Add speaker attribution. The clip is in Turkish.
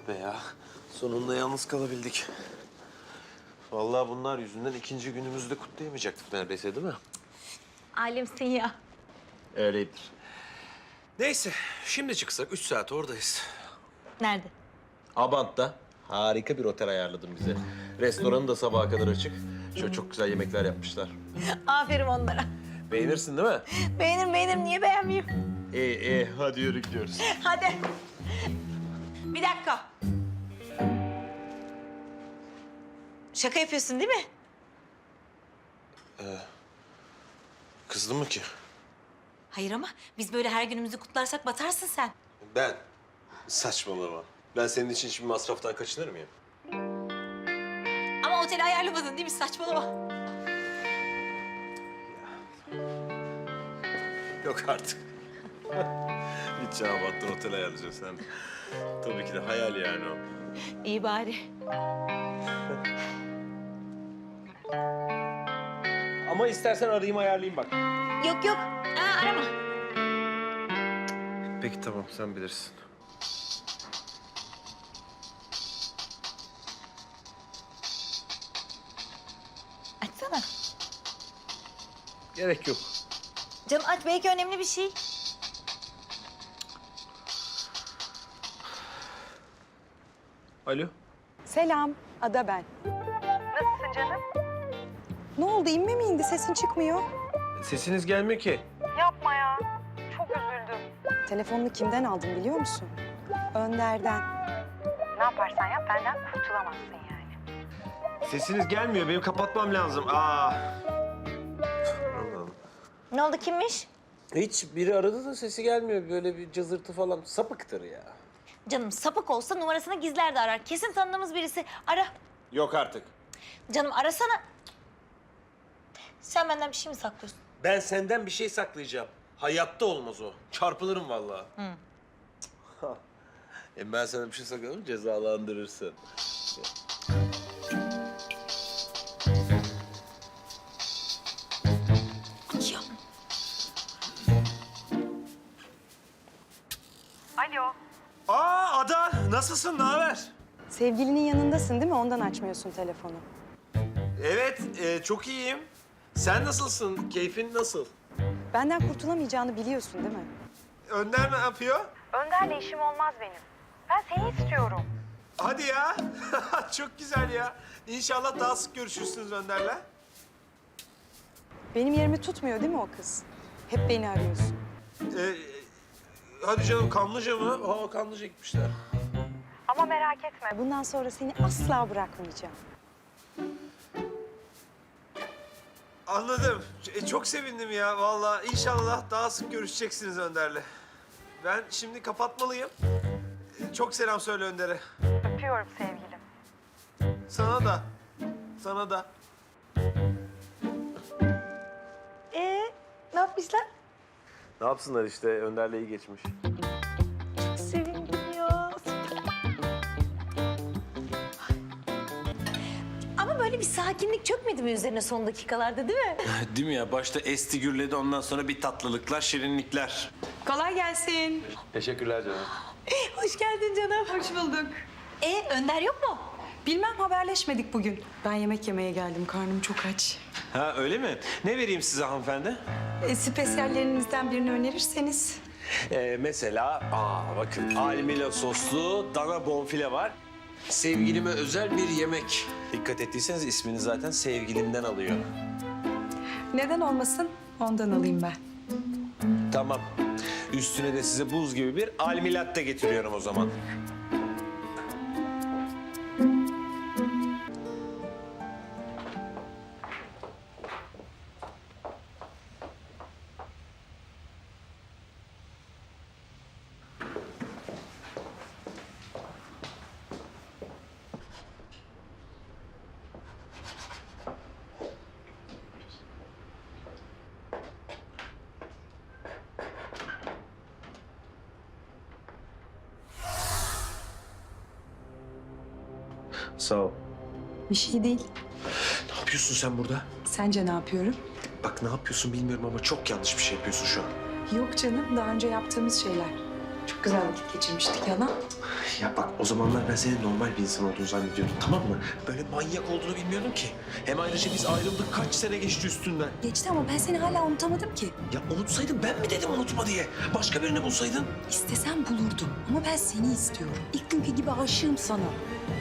Speaker 1: be ya. Sonunda yalnız kalabildik. Vallahi bunlar yüzünden ikinci günümüzü de kutlayamayacaktık neredeyse, değil mi?
Speaker 2: Alemsin ya.
Speaker 1: Öyledir. Neyse, şimdi çıksak 3 saat oradayız.
Speaker 2: Nerede?
Speaker 1: Abant'ta harika bir otel ayarladım bize. Restoranı da sabaha kadar açık. Şöyle çok güzel yemekler yapmışlar.
Speaker 2: Aferin onlara.
Speaker 1: Beğenirsin değil mi?
Speaker 2: Beğenirim. Niye beğenmeyeyim?
Speaker 1: İyi, hadi yürü gidiyoruz.
Speaker 2: Hadi. Bir dakika. Şaka yapıyorsun değil mi?
Speaker 1: Kızdın mı ki?
Speaker 2: Hayır ama biz böyle her günümüzü kutlarsak batarsın sen.
Speaker 1: Ben? Saçmalama. Ben senin için hiçbir masraftan kaçınır mıyım?
Speaker 2: Ama oteli ayarlamadın değil mi? Saçmalama.
Speaker 1: Yok artık. Gideceğim Abant'tan otel ayarlayacağız sen. Tabii ki de hayal yani o.
Speaker 2: İyi bari.
Speaker 1: Ama istersen arayayım ayarlayayım bak.
Speaker 2: Yok. Arama.
Speaker 1: Peki tamam, sen bilirsin.
Speaker 2: Açsana.
Speaker 1: Gerek yok.
Speaker 2: Canım aç, belki önemli bir şey.
Speaker 1: Alo.
Speaker 3: Selam, Ada ben.
Speaker 4: Nasılsın canım?
Speaker 3: Ne oldu, inme mi indi? Sesin çıkmıyor.
Speaker 1: Sesiniz gelmiyor ki.
Speaker 4: Yapma ya. Çok üzüldüm.
Speaker 3: Telefonunu kimden aldım biliyor musun? Önder'den.
Speaker 4: Ne yaparsan yap benden kurtulamazsın yani.
Speaker 1: Sesiniz gelmiyor. Benim kapatmam lazım. Allah'ım.
Speaker 2: Ne oldu, kimmiş?
Speaker 1: Hiç biri aradı da sesi gelmiyor. Böyle bir cızırtı falan. Sapıktır ya.
Speaker 2: Canım sapık olsa numarasını gizler de arar. Kesin tanıdığımız birisi. Ara.
Speaker 1: Yok artık.
Speaker 2: Canım arasana. Sen benden bir şey mi saklıyorsun?
Speaker 1: Ben senden bir şey saklayacağım. Hayatta olmaz o. Çarpılırım vallahi. Ben sana bir şey saklarım, cezalandırırsın.
Speaker 2: Ya.
Speaker 4: Alo.
Speaker 1: Ada, nasılsın? Ne haber?
Speaker 3: Sevgilinin yanındasın değil mi? Ondan açmıyorsun telefonu.
Speaker 1: Evet, çok iyiyim. Sen nasılsın? Keyfin nasıl?
Speaker 3: Benden kurtulamayacağını biliyorsun değil mi?
Speaker 1: Önder ne yapıyor?
Speaker 4: Önder'le işim olmaz benim. Ben seni istiyorum.
Speaker 1: Hadi ya. Çok güzel ya. İnşallah daha sık görüşürsünüz Önder'le.
Speaker 3: Benim yerimi tutmuyor değil mi o kız? Hep beni arıyorsun.
Speaker 1: Hadi canım, Kanlıca mı? Kanlıca gitmişler.
Speaker 4: Ama merak etme.
Speaker 3: Bundan sonra seni asla bırakmayacağım.
Speaker 1: Anladım. Çok sevindim ya vallahi. İnşallah daha sık görüşeceksiniz Önder'le. Ben şimdi kapatmalıyım. Çok selam söyle Önder'e.
Speaker 4: Öpüyorum sevgilim.
Speaker 1: Sana da. Sana da.
Speaker 2: Ne yapmışlar?
Speaker 1: Ne yapsınlar işte, Önder'le iyi geçmiş.
Speaker 2: Sevindim ya. Ama böyle bir sakinlik çökmedi mi üzerine son dakikalarda, değil mi?
Speaker 1: Değil mi ya? Başta esti gürledi, ondan sonra bir tatlılıklar, şirinlikler.
Speaker 5: Kolay gelsin.
Speaker 1: Teşekkürler canım.
Speaker 2: Hoş geldin canım.
Speaker 5: Hoş bulduk.
Speaker 2: Önder yok mu?
Speaker 5: Bilmem, haberleşmedik bugün. Ben yemek yemeye geldim. Karnım çok aç.
Speaker 1: Ha öyle mi? Ne vereyim size hanımefendi?
Speaker 5: Spesiyallerinizden birini önerirseniz.
Speaker 1: Mesela, bakın almila soslu dana bonfile var. Sevgilime özel bir yemek. Dikkat ettiyseniz ismini zaten sevgilimden alıyor.
Speaker 5: Neden olmasın? Ondan alayım ben.
Speaker 1: Tamam. Üstüne de size buz gibi bir almilatte getiriyorum o zaman. Sağ ol.
Speaker 5: Bir şey değil.
Speaker 1: Ne yapıyorsun sen burada?
Speaker 5: Sence ne yapıyorum?
Speaker 1: Bak ne yapıyorsun bilmiyorum ama çok yanlış bir şey yapıyorsun şu an.
Speaker 5: Yok canım, daha önce yaptığımız şeyler. Çok güzel vakit geçirmiştik yalan.
Speaker 1: Ya bak o zamanlar ben senin normal bir insan olduğunu zannediyordum, tamam mı? Böyle manyak olduğunu bilmiyordum ki. Hem ayrıca biz ayrıldık, kaç sene geçti üstünden.
Speaker 5: Geçti ama ben seni hala unutamadım ki.
Speaker 1: Ya unutsaydın ben mi dedim unutma diye? Başka birini bulsaydın.
Speaker 5: İstesem bulurdum ama ben seni istiyorum. İlk günkü gibi aşığım sana.